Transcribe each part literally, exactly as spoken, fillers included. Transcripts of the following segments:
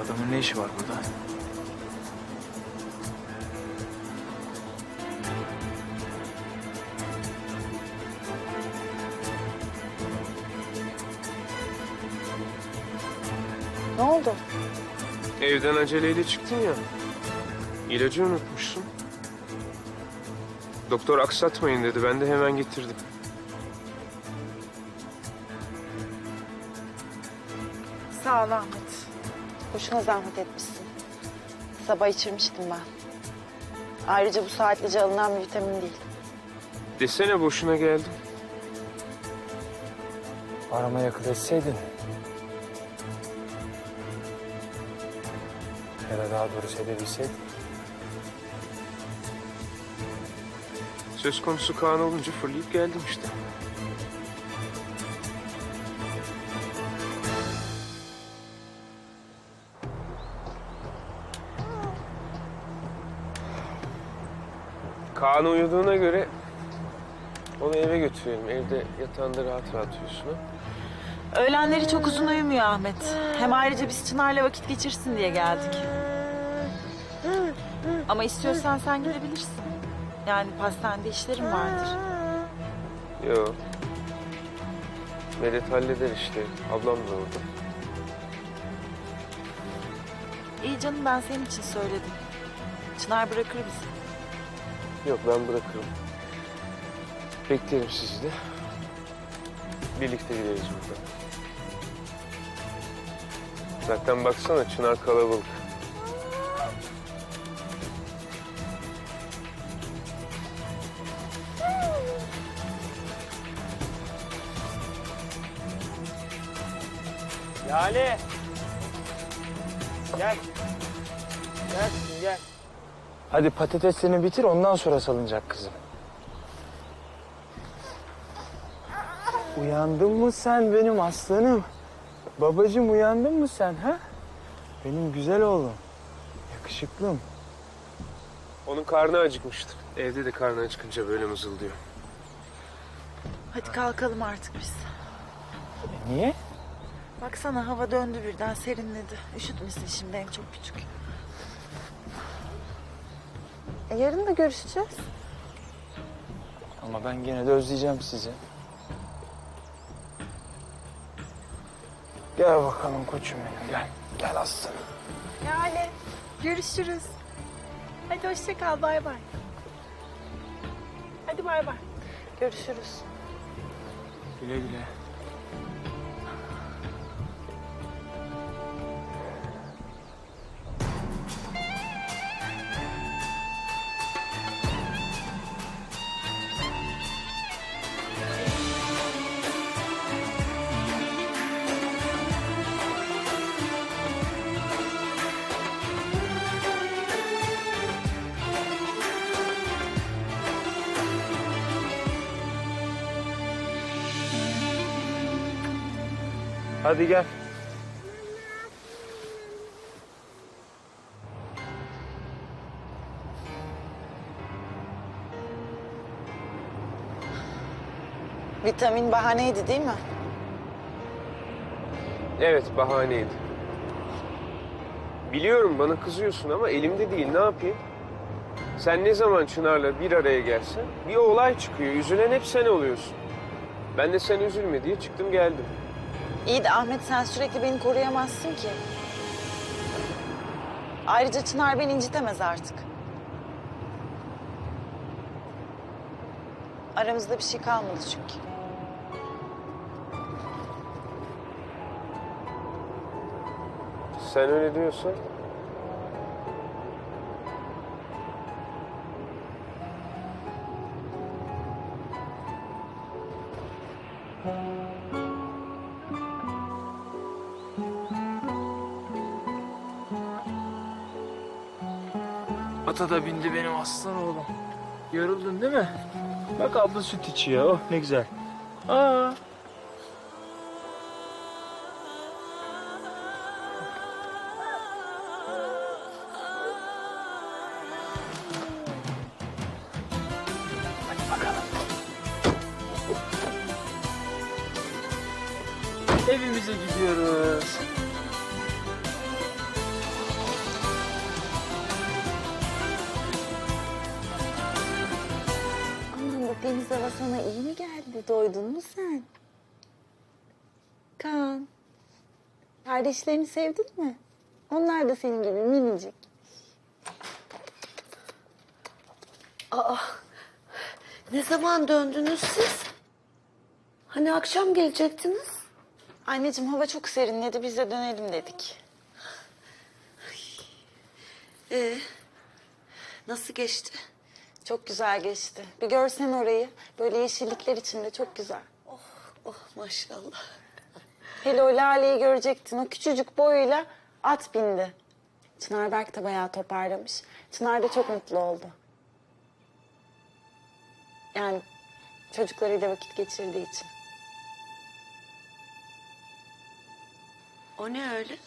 adamın ne işi var burada? Ne oldu? Evden aceleyle çıktın ya. İlacı unutmuşsun. Doktor aksatmayın dedi. Ben de hemen getirdim. Sağ ol Ahmet. Boşuna zahmet etmişsin. Sabah içirmiştim ben. Ayrıca bu saatlice alınan bir vitamin değil. Desene boşuna geldim. Aramaya akıl etseydin. Ya da daha doğrusu edebilseydin. Söz konusu Kaan olunca fırlayıp geldim işte. Kaan uyuduğuna göre onu eve götürelim. Evde yatağında rahat rahat uyusun ha. Öğlenleri çok uzun uyumuyor Ahmet. Hem ayrıca biz Çınar'la vakit geçirsin diye geldik. Ama istiyorsan sen gidebilirsin. Yani pastanede işlerim vardır. Yok. Medet halleder işte. Ablam da orada. İyi canım, ben senin için söyledim. Çınar bırakır bizi. Yok, ben bırakırım. Beklerim sizi de. Birlikte gideriz buradan. Zaten baksana Çınar kalabalık. Lale! Gel. Gel kızım, gel. Hadi patateslerini bitir, ondan sonra salınacak kızım. Uyandın mı sen benim aslanım? Babacığım uyandın mı sen ha? Benim güzel oğlum. Yakışıklım. Onun karnı acıkmıştır. Evde de karnı acıkınca böyle mızıldıyor. Hadi kalkalım artık biz. E, niye? Baksana hava döndü birden, serinledi. Üşütmesin şimdi, hem çok küçük. E, yarın da görüşeceğiz. Ama ben gene de özleyeceğim sizi. Gel bakalım koçum benim, gel. Gel aslanım. Yani görüşürüz. Hadi hoşça kal, bay bay. Hadi bay bay. Görüşürüz. Güle güle. Hadi gel. Vitamin bahaneydi değil mi? Evet, bahaneydi. Biliyorum bana kızıyorsun ama elimde değil, ne yapayım? Sen ne zaman Çınar'la bir araya gelsen bir olay çıkıyor. Üzülen hep sen oluyorsun. Ben de sen üzülme diye çıktım geldim. İyi de Ahmet, sen sürekli beni koruyamazsın ki. Ayrıca Çınar beni incitemez artık. Aramızda bir şey kalmadı çünkü. Sen öyle diyorsan. Ata da bindi benim aslan oğlum. Yoruldun değil mi? Bak abla süt içiyor. Oh ne güzel. Aa. Hadi bakalım. Evimize gidiyoruz. hava sana iyi mi geldi? Doydun mu sen? Kaan, kardeşlerini sevdin mi? Onlar da senin gibi minicik. Ne zaman döndünüz siz? Hani akşam gelecektiniz? Anneciğim hava çok serinledi, biz de dönelim dedik. Ee, nasıl geçti? Çok güzel geçti. Bir görsen orayı, böyle yeşillikler içinde çok güzel. Oh maşallah. Hele o Lale'yi görecektin, o küçücük boyuyla at bindi. Çınar Berk de bayağı toparlamış. Çınar da çok mutlu oldu. Yani çocuklarıyla vakit geçirdiği için. O ne öyle?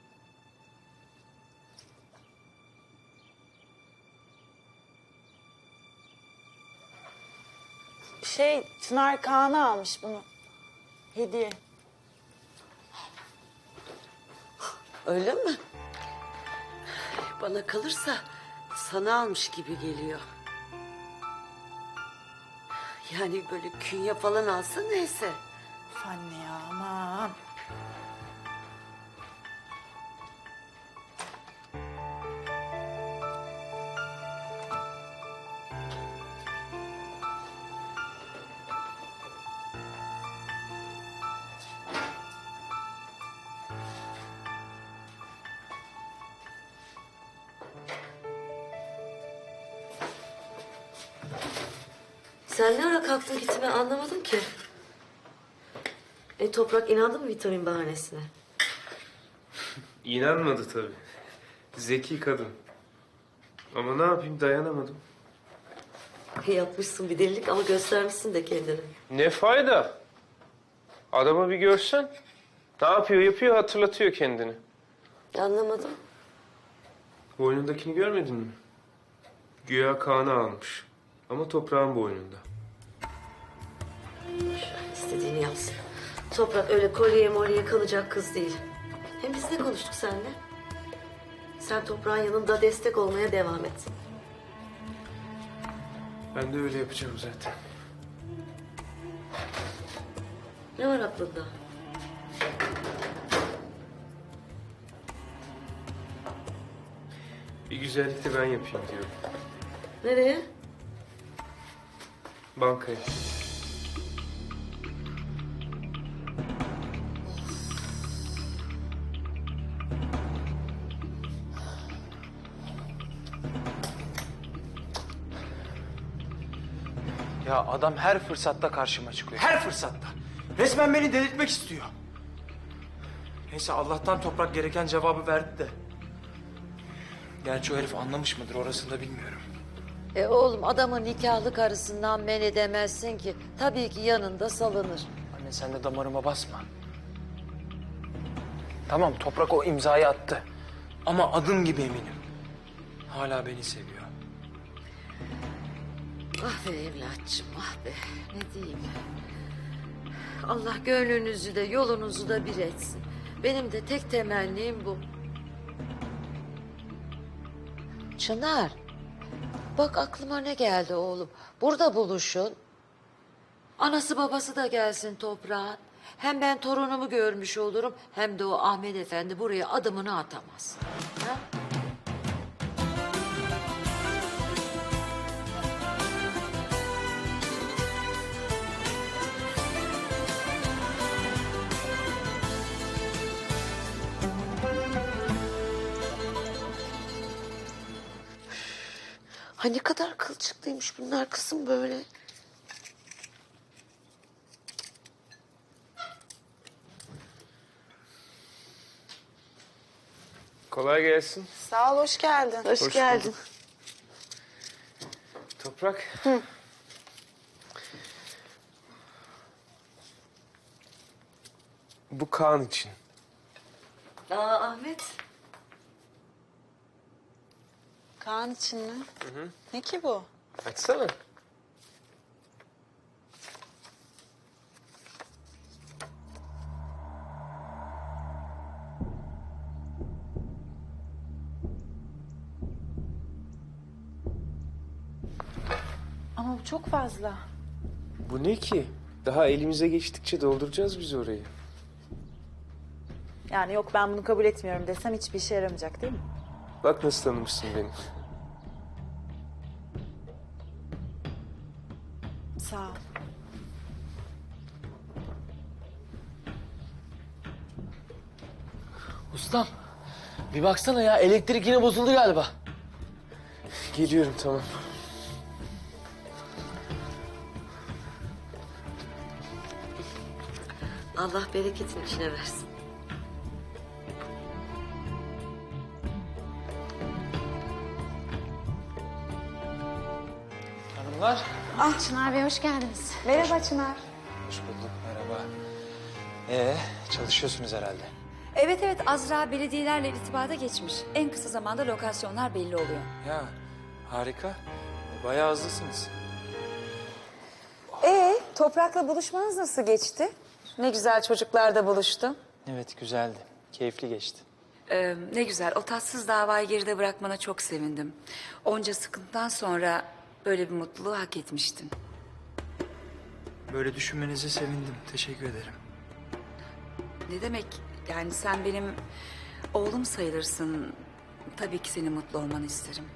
Şey, Çınar Kaan'a almış bunu. Hediye. Öyle mi? Bana kalırsa sana almış gibi geliyor. Yani böyle künye falan alsa neyse. Of anne ya, aman. Sen ne ara kalktın gitti ben anlamadım ki. E Toprak inandı mı vitamin bahanesine? İnanmadı tabii. Zeki kadın. Ama ne yapayım, dayanamadım. Yapmışsın bir delilik ama göstermişsin de kendini. Ne fayda? Adamı bir görsen. Ne yapıyor yapıyor, hatırlatıyor kendini. Anlamadım. Boynundakini görmedin mi? Güya Kaan'ı almış. Ama toprağın boynunda. İstediğini yapsın. Toprak öyle kolyeye molyeye kalacak kız değil. Hem biz ne konuştuk seninle? Sen toprağın yanında destek olmaya devam et. Ben de öyle yapacağım zaten. Ne var aklında? Bir güzellik de ben yapayım diyorum. Nereye? Bankaya. Ya adam her fırsatta karşıma çıkıyor. Her fırsatta. Resmen beni delirtmek istiyor. Neyse Allah'tan Toprak gereken cevabı verdi de. Gerçi o herif anlamış mıdır orasını da bilmiyorum. E oğlum adamın nikahlı karısından men edemezsin ki. Tabii ki yanında salınır. Anne sen de damarıma basma. Tamam Toprak o imzayı attı. Ama adım gibi eminim. Hala beni seviyor. Ah be evlatçım ah be ne diyeyim. Allah gönlünüzü de yolunuzu da bir etsin. Benim de tek temennim bu. Çınar. Bak aklıma ne geldi oğlum. Burada buluşun. Anası babası da gelsin toprağın. Hem ben torunumu görmüş olurum hem de o Ahmet Efendi buraya adımını atamaz. Ha? Ha ne kadar kılçıklıymış bunlar kızım böyle. Kolay gelsin. Sağ ol, hoş geldin. Hoş, Hoş geldin. bulduk. Toprak. Bu Kaan için. Aa Ahmet. Kaan için mi? Ne ki bu? Açsana. Ama bu çok fazla. Bu ne ki? Daha elimize geçtikçe dolduracağız biz orayı. Yani yok ben bunu kabul etmiyorum desem hiçbir işe yaramayacak değil mi? Bak nasıl tanımışsın beni. Sağ ol. Ustam, bir baksana ya, elektrik yine bozuldu galiba. Geliyorum, tamam. Allah bereketin içine versin. Hanımlar. Ah Çınar Bey hoş geldiniz. Merhaba Çınar. Hoş bulduk, merhaba. Ee, çalışıyorsunuz herhalde. Evet evet Azra belediyelerle irtibata geçmiş. En kısa zamanda lokasyonlar belli oluyor. Ya, harika. Bayağı hızlısınız. Ee, Toprak'la buluşmanız nasıl geçti? Ne güzel çocuklar da buluştu. Evet, güzeldi. Keyifli geçti. Ee, ne güzel o tatsız davayı geride bırakmana çok sevindim. Onca sıkıntıdan sonra böyle bir mutluluğu hak etmiştin. Böyle düşünmenize sevindim. Teşekkür ederim. Ne demek yani sen benim oğlum sayılırsın. Tabii ki senin mutlu olmanı isterim.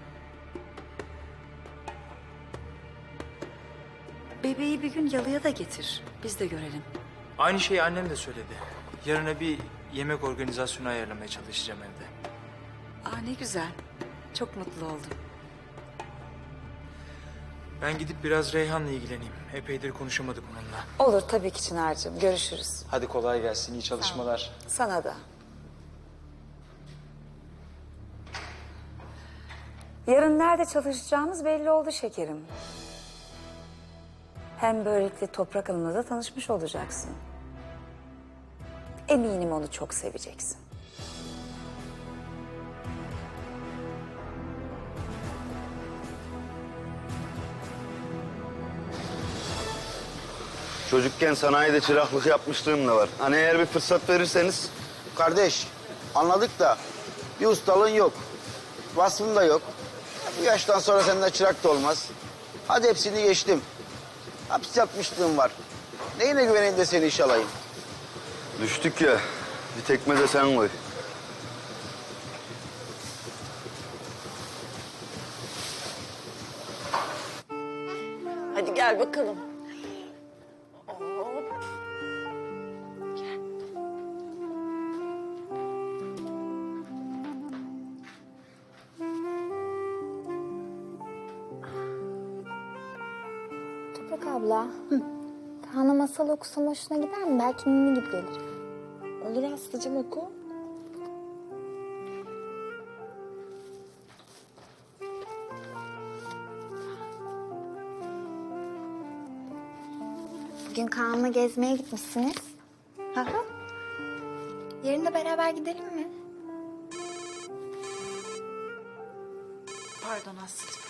Bebeği bir gün yalıya da getir. Biz de görelim. Aynı şeyi annem de söyledi. Yarına bir yemek organizasyonu ayarlamaya çalışacağım evde. Aa ne güzel. Çok mutlu oldum. Ben gidip biraz Reyhan'la ilgileneyim. Epeydir konuşamadık onunla. Olur tabii ki Çınar'cığım. Görüşürüz. Hadi kolay gelsin, iyi çalışmalar. Sana da. Yarın nerede çalışacağımız belli oldu şekerim. Hem böylelikle Toprak Hanım'la da tanışmış olacaksın. Eminim onu çok seveceksin. Çocukken sanayide çıraklık yapmışlığım da var. Hani eğer bir fırsat verirseniz... Kardeş, anladık da bir ustalığın yok. Vasfın da yok. Bu yaştan sonra senden çırak da olmaz. Hadi hepsini geçtim. Hapis yatmışlığım var. Neyine güveneyim de seni işe alayım? Düştük ya, bir tekme de sen koy. Hadi gel bakalım. Toprak abla. Kaan'a masal okusam hoşuna gider mi? Belki ninni gibi gelir. Olur Aslı'cığım oku. Bugün Kaan'la gezmeye gitmişsiniz. Hı hı. Yarın da beraber gidelim mi? Pardon Aslı'cığım.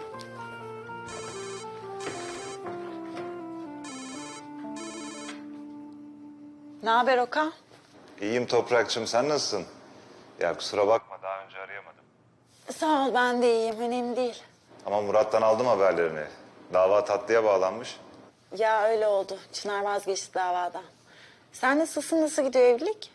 Ne haber Okan? İyiyim Toprakçım, sen nasılsın? Ya kusura bakma, daha önce arayamadım. Sağ ol ben de iyiyim önemli değil. Ama Murat'tan aldım haberlerini. Dava tatlıya bağlanmış. Ya öyle oldu. Çınar vazgeçti davadan. Sen nasılsın? Nasıl gidiyor evlilik?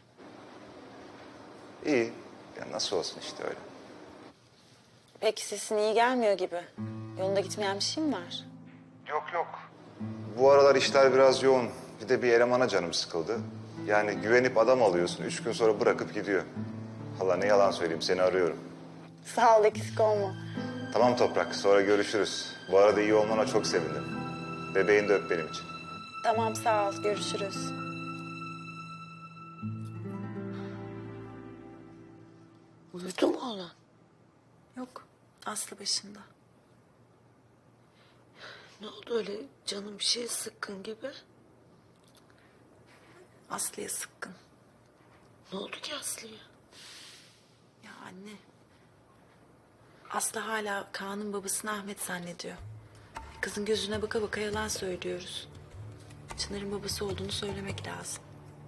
İyi, ya nasıl olsun işte öyle. Peki sesin iyi gelmiyor gibi. Yolunda gitmeyen bir şey mi var? Yok yok. Bu aralar işler biraz yoğun. Bir de bir elemana canım sıkıldı. Yani güvenip adam alıyorsun, üç gün sonra bırakıp gidiyor. Vallahi ne yalan söyleyeyim, seni arıyorum. Sağ ol eksik olma. Tamam Toprak, sonra görüşürüz. Bu arada iyi olmana çok sevindim. Bebeğini de öp benim için. Tamam sağ ol görüşürüz. Uyudu mu oğlan? Yok Aslı başında. Ne oldu öyle canım bir şey sıkkın gibi? Aslı'ya sıkkın. Ne oldu ki Aslı'ya? Ya anne. Aslı hala Kaan'ın babasını Ahmet zannediyor. Kızın gözüne baka baka yalan söylüyoruz. Çınar'ın babası olduğunu söylemek lazım.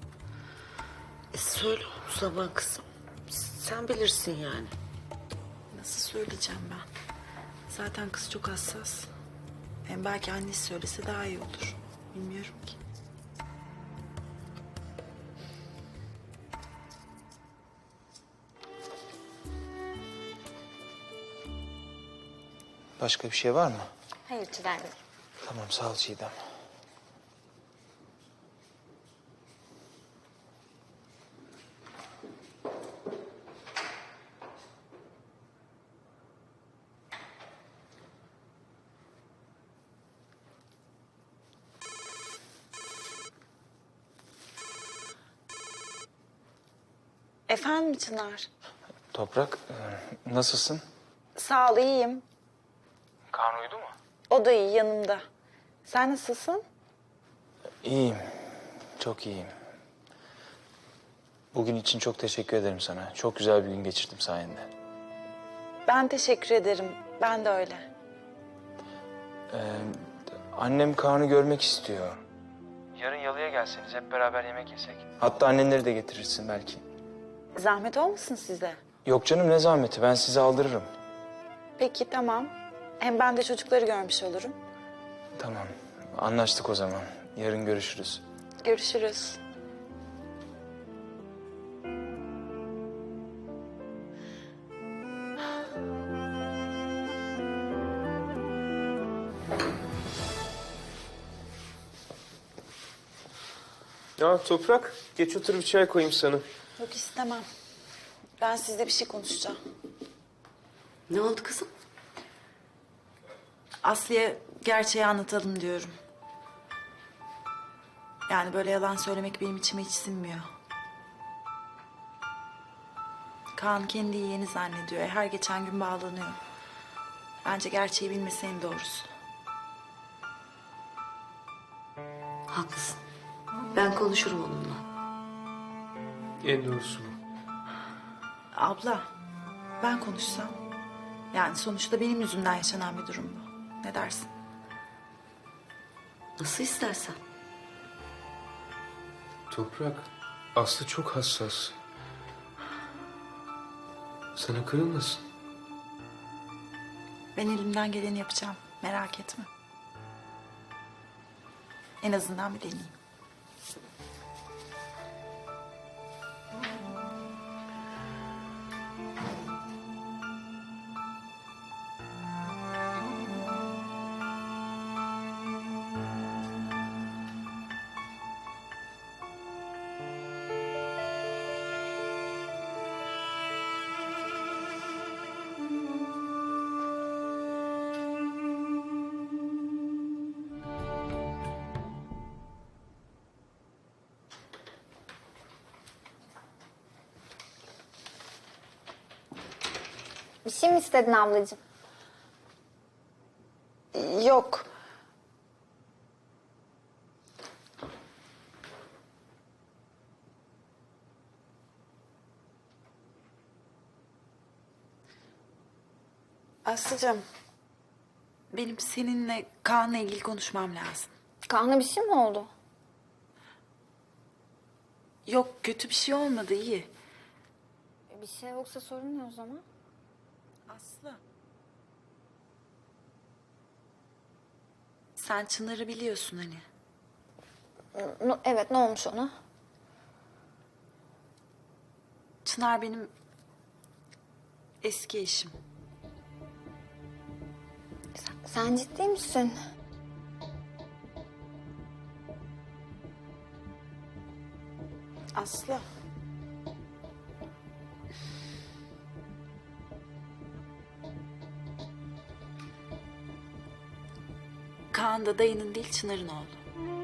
E söyle o zaman kızım. Sen bilirsin yani. Nasıl söyleyeceğim ben? Zaten kız çok hassas. Hem belki annesi söylese daha iyi olur. Bilmiyorum ki. Başka bir şey var mı? Hayır Çınar Bey. Tamam sağ ol Çiğdem. Efendim Çınar? Toprak e, nasılsın? Sağ ol, iyiyim. Kaan uyudu mu? O da iyi, yanımda. Sen nasılsın? İyiyim. Çok iyiyim. Bugün için çok teşekkür ederim sana. Çok güzel bir gün geçirdim sayende. Ben teşekkür ederim. Ben de öyle. Ee, annem Kaan'ı görmek istiyor. Yarın yalıya gelseniz hep beraber yemek yesek. Hatta annenleri de getirirsin belki. Zahmet olmasın size? Yok canım ne zahmeti, ben sizi aldırırım. Peki, tamam. Hem ben de çocukları görmüş olurum. Tamam, anlaştık o zaman. Yarın görüşürüz. Görüşürüz. Ya Toprak, geç otur bir çay koyayım sana. Yok, istemem. Ben sizle bir şey konuşacağım. Ne oldu kızım? Aslı'ya gerçeği anlatalım diyorum. Yani böyle yalan söylemek benim içime hiç sinmiyor. Kaan kendi yeğeni zannediyor. Her geçen gün bağlanıyor. Bence gerçeği bilmesi en doğrusu. Haklısın. Ben konuşurum onunla. En doğrusu bu. Abla, ben konuşsam. Yani sonuçta benim yüzümden yaşanan bir durum bu. Ne dersin? Nasıl istersen. Toprak, Aslı çok hassas. Sana kırılmasın. Ben elimden geleni yapacağım. Merak etme. En azından bir deneyeyim. Bir şey mi istedin ablacığım? Yok. Aslıcığım, benim seninle Kaan'la ilgili konuşmam lazım. Kaan'a bir şey mi oldu? Yok, kötü bir şey olmadı, iyi. Bir şey yoksa sorun ne o zaman? Aslı. Sen Çınar'ı biliyorsun hani. No- evet, ne olmuş ona? Çınar benim eski eşim. Sen, sen ciddi misin? Aslı. Kaan da dayının değil Çınar'ın oğlu.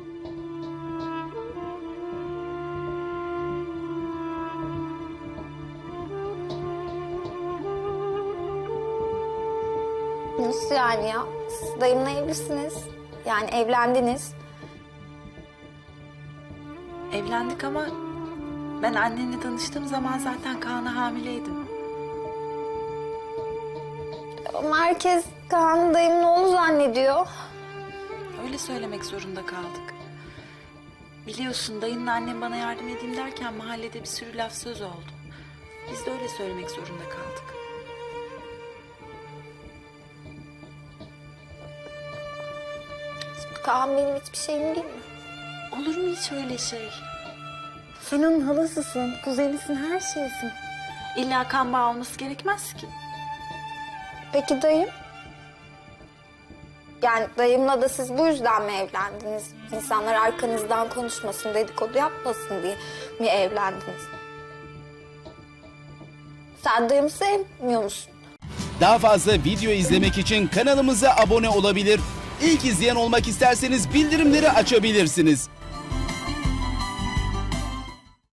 Nasıl yani ya? Siz dayımla evlisiniz. Yani evlendiniz. Evlendik ama ben annenle tanıştığım zaman zaten Kaan'a hamileydim. Ama herkes Kaan'ı dayımın oğlu zannediyor. Öyle söylemek zorunda kaldık. Biliyorsun dayınla annem bana yardım edeyim derken mahallede bir sürü laf söz oldu. Biz de öyle söylemek zorunda kaldık. Kaan benim hiçbir şeyim değil mi? Olur mu hiç öyle şey? Sen onun halasısın, kuzenisin, her şeysin. İlla kan bağı olması gerekmez ki. Peki dayım? Yani dayımla da siz bu yüzden mi evlendiniz? İnsanlar arkanızdan konuşmasın, dedikodu yapmasın diye mi evlendiniz? Sen dayımı sevmiyor musun? Daha fazla video izlemek için kanalımıza abone olabilir. İlk izleyen olmak isterseniz bildirimleri açabilirsiniz.